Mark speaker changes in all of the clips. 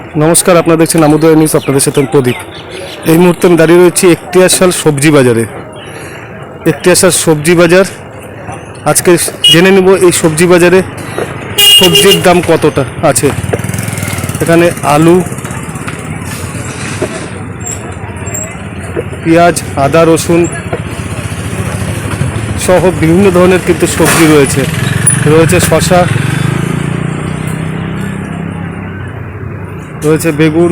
Speaker 1: নমস্কার, আপনারা দেখছেন আমোদয় নিউজ। আপনাদের সাথে আমি প্রদীপ। এই মুহূর্তে আমি দাঁড়িয়ে রয়েছি একটিয়াশাল সবজি বাজারে। একটিয়াশাল সবজি বাজার, আজকে জেনে নেব এই সবজি বাজারে সবজির দাম কতটা আছে। এখানে আলু, পেঁয়াজ, আদা, রসুন সহ বিভিন্ন ধরনের কিন্তু সবজি রয়েছে। রয়েছে শসা, রয়েছে বেগুন,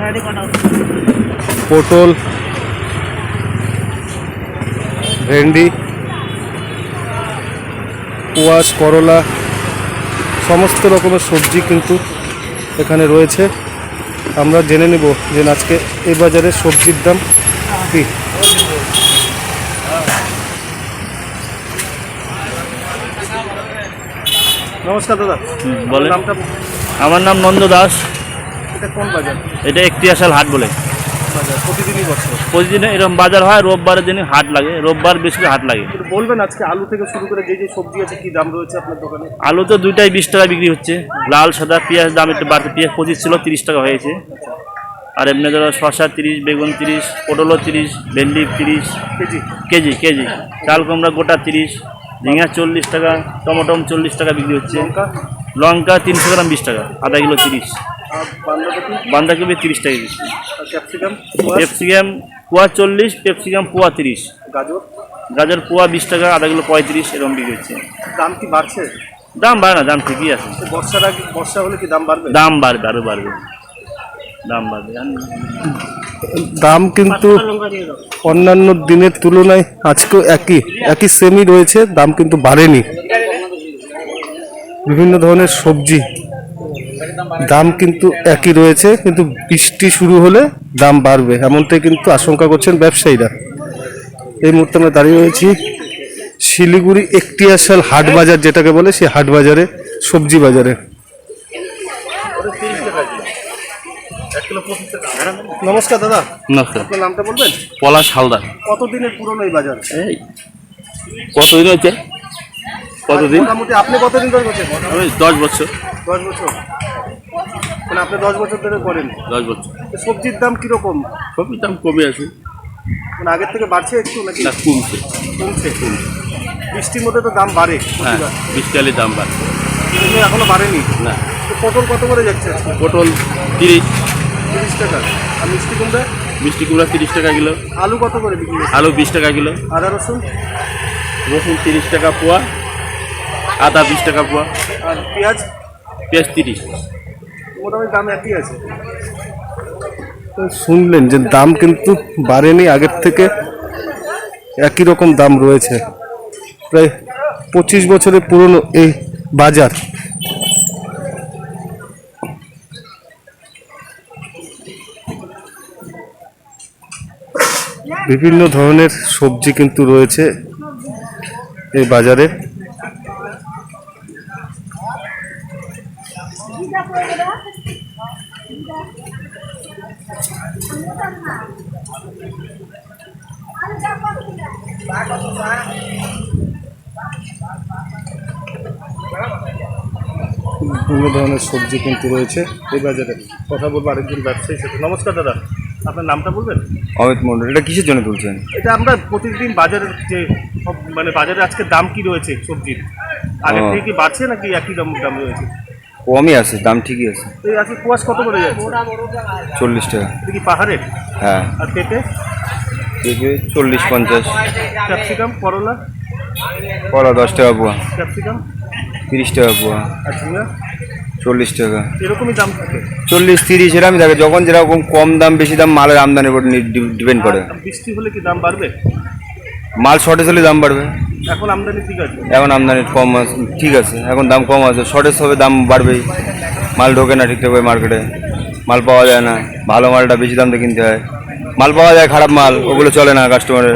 Speaker 1: পটল, ভেন্ডি, কোয়াশ, করলা, সমস্ত রকমের সবজি কিন্তু এখানে রয়েছে। আমরা জেনে নেব যে আজকে এই বাজারে সবজির দাম কি। নমস্কার দাদা,
Speaker 2: বলেন।
Speaker 1: নামটা?
Speaker 2: আমার নাম নন্দ দাস।
Speaker 1: এটা কোন বাজার?
Speaker 2: এটা একটিয়াশাল হাট বলে।
Speaker 1: বাজার প্রতিদিনই বসে?
Speaker 2: প্রতিদিন এরকম বাজার হয়, রোববারের দিন হাট লাগে, রোববার বেশি হাট লাগে।
Speaker 1: একটু বলবেন আজকে আলু থেকে শুরু করে যে যে সবজি আছে কি দাম রয়েছে আপনার দোকানে?
Speaker 2: আলু তো দুইটাই 20 টাকা বিক্রি হচ্ছে। লাল সাদা। পেঁয়াজ দাম একটু বাড়তে, পেঁয়াজ 25 ছিল, 30 টাকা হয়েছে। আর এমনি ধরো শসা 30, বেগুন 30, পটলও 30, ভেন্ডি 30 কেজি কেজি। চাল কুমড়া গোটা 30, ঝিঙা 40 টাকা, টমেটো 40 টাকা বিক্রি হচ্ছে। লঙ্কা 300 গ্রাম 20 টাকা, আধা কিলো 30। বাঁধাকপি 30 টাকা কেজি। ক্যাপসিকাম পোয়া 40, ক্যাপসিকাম পোয়া 30। গাজর পোয়া 20 টাকা, আধা কিলো 35, এরকম বিক্রি হচ্ছে।
Speaker 1: দাম কি বাড়ছে?
Speaker 2: দাম বাড়ে না, দাম ঠিকই আছে।
Speaker 1: বর্ষা হলে কি দাম বাড়বে?
Speaker 2: দাম বাড়বে, আরও বাড়বে, দাম বাড়বে।
Speaker 1: দাম কিন্তু অন্যান্য দিনের তুলনায় আজকেও একই সেমই রয়েছে, দাম কিন্তু বাড়েনি। বিভিন্ন ধরনের সবজি দাম কিন্তু একই রয়েছে, কিন্তু বৃষ্টি শুরু হলে দাম বাড়বে, এমনটাই কিন্তু আশঙ্কা করছেন ব্যবসায়ীরা। এই মুহূর্তে আমরা দাঁড়িয়ে রয়েছি শিলিগুড়ি একটিয়াশাল হাট বাজার, যেটাকে বলে সেই হাট বাজারে, সবজি বাজারে। নমস্কার দাদা,
Speaker 2: নমস্কার।
Speaker 1: আপনার নামটা বলবেন?
Speaker 2: পলাশ হালদার।
Speaker 1: কতদিনের পুরনো এই বাজার?
Speaker 2: এই কতদিন হচ্ছে? কতদিন?
Speaker 1: মোটামুটি আপনি কতদিন ধরে করছেন?
Speaker 2: আমি 10 বছর।
Speaker 1: 10 বছর? মানে আপনি 10 বছর ধরে করেন?
Speaker 2: 10 বছর।
Speaker 1: সবজির দাম কিরকম?
Speaker 2: সবজির দাম কমে আছে।
Speaker 1: মানে আগের থেকে বাড়ছে একটু নাকি?
Speaker 2: না, কমছে।
Speaker 1: কমছে। বৃষ্টির মধ্যে তো দাম বাড়ে।
Speaker 2: হ্যাঁ, 20 টাকা দাম বাড়ছে।
Speaker 1: কিন্তু এখনো বাড়েনি।
Speaker 2: না।
Speaker 1: তো পটল কত করে যাচ্ছে আজকে?
Speaker 2: পটল 30।
Speaker 1: 30 টাকা। আর মিষ্টি কুমড়া?
Speaker 2: মিষ্টি কুমড়া 30 টাকা কিলো।
Speaker 1: আলু কত করে বিক্রি হচ্ছে?
Speaker 2: আলু 20 টাকা কিলো।
Speaker 1: আদা রসুন?
Speaker 2: রসুন 30 টাকা পোয়া, আদা 20 টাকা পোয়া।
Speaker 1: আর পেঁয়াজ?
Speaker 2: পেঁয়াজ 30।
Speaker 1: মোটামুটি দাম একই আছে। শুনলেন যে দাম কিন্তু বাড়েনি, আগের থেকে একই রকম দাম রয়েছে। প্রায় 25 বছরের পুরনো এই বাজার। বিভিন্ন ধরনের সবজি কিন্তু রয়েছে এই বাজারে। বিভিন্ন ধরনের সবজি কিন্তু রয়েছে এই বাজারে। কথা বলবো আরেকজন ব্যবসায়ীর সাথে। নমস্কার দাদা, আপনার নামটা বলবেন?
Speaker 3: অমিত মন্ডল। এটা কিসের জন্য তুলছেন?
Speaker 1: এটা আমরা প্রতিদিন বাজারের যে মানে বাজারে আজকে দাম কি রয়েছে সবজির, আগের থেকে কি বাড়ছে নাকি একই দাম রয়েছে?
Speaker 3: কমই আছে, দাম ঠিকই আছে।
Speaker 1: এই আজকে কোয়াশ কত করে যাচ্ছে?
Speaker 3: 40 টাকা।
Speaker 1: এটা কি পাহাড়ের?
Speaker 3: হ্যাঁ।
Speaker 1: আর পেঁপে?
Speaker 3: পেঁপে 40-50।
Speaker 1: ক্যাপসিকাম, করলা?
Speaker 3: কলা 10 টাকা পোয়া।
Speaker 1: ক্যাপসিকাম
Speaker 3: 30 টাকা পোয়া।
Speaker 1: আর ঝিঙা
Speaker 3: 40 টাকা।
Speaker 1: এরকমই দাম থাকে?
Speaker 3: 40-30 এরকমই থাকে। যখন যেরকম কম দাম বেশি দাম মালের আমদানির উপর ডিপেন্ড করে।
Speaker 1: বৃষ্টি হলে কি দাম বাড়বে?
Speaker 3: মাল শর্টেজ হলে দাম বাড়বে।
Speaker 1: এখন আমদানি ঠিক আছে?
Speaker 3: এখন আমদানি কম আছে, ঠিক আছে, এখন দাম কম আছে। শর্টেজ হবে, দাম বাড়বেই। মাল ঢোকে না ঠিকঠাক করে মার্কেটে, মাল পাওয়া যায় না। ভালো মালটা বেশি দাম দিয়ে কিনতে হয়। মাল পাওয়া যায়, খারাপ মাল ওগুলো চলে না কাস্টমারের।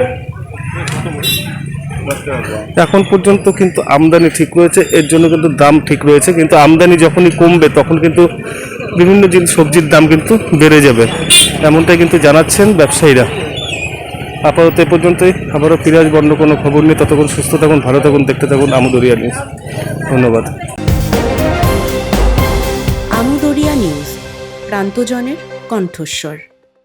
Speaker 1: এখন পর্যন্ত কিন্তু আমদানি ঠিক রয়েছে, এর জন্য কিন্তু দাম ঠিক রয়েছে। কিন্তু আমদানি যখনই কমবে তখন কিন্তু বিভিন্ন সবজির দাম কিন্তু বেড়ে যাবে, এমনটাই কিন্তু জানাচ্ছেন ব্যবসায়ীরা। আপাতত এ পর্যন্তই। আবারও ফিরে আসবো অন্য কোনো খবর নিয়ে। ততক্ষণ সুস্থ থাকুন, ভালো থাকুন, দেখতে থাকুন আমদরিয়া নিউজ। ধন্যবাদ।
Speaker 4: আমদরিয়া নিউজ প্রান্তজনের কণ্ঠস্বর।